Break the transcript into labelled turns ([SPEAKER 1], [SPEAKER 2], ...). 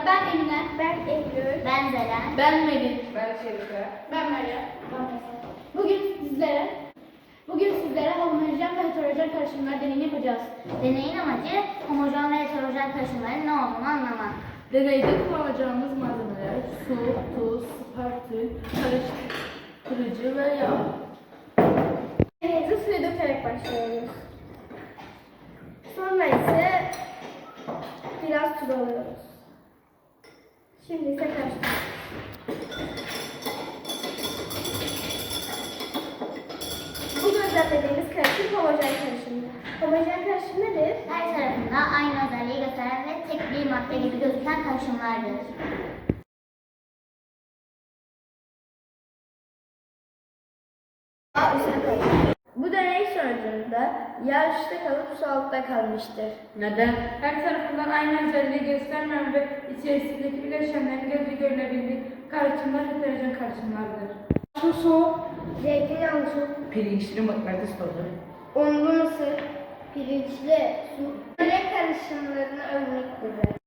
[SPEAKER 1] Ben Emine.
[SPEAKER 2] Ben Eylül.
[SPEAKER 3] Ben Zeren.
[SPEAKER 1] Ben Melih.
[SPEAKER 4] Ben Şerife.
[SPEAKER 1] Ben Meryem. Bugün sizlere homojen ve heterojen karışımlar deneyini yapacağız.
[SPEAKER 3] Deneyin amacı homojen ve heterojen karışımların ne olduğunu anlamak.
[SPEAKER 1] Deneyde kullanacağımız malzemeler su, tuz, spartül, karıştırıcı ve yağ.
[SPEAKER 2] Deneyimize suyu dökerek başlıyoruz. Sonra ise biraz tuz alıyoruz. Şimdi ise karıştırıyoruz. Bu gözlemlediğimiz karışım homojen karışımı. Homojen karışım nedir?
[SPEAKER 3] Her tarafında aynı özelliği gösteren ve tek bir madde gibi gözüken karışımlardır.
[SPEAKER 2] Bu deney sonucunda yağ üstte kalıp su altta kalmıştır.
[SPEAKER 4] Neden? Her tarafından aynı özelliği göstermeyen ve içerisindeki bileşenlerin gözü görülebildiği karışımlar heterojen karışımlardır.
[SPEAKER 2] Su, zeytinyağlı su,
[SPEAKER 4] Pirinçli mıknatıs tozu.
[SPEAKER 2] unlu mısır, pirinçli su. Renk karışımlarını örnek verir.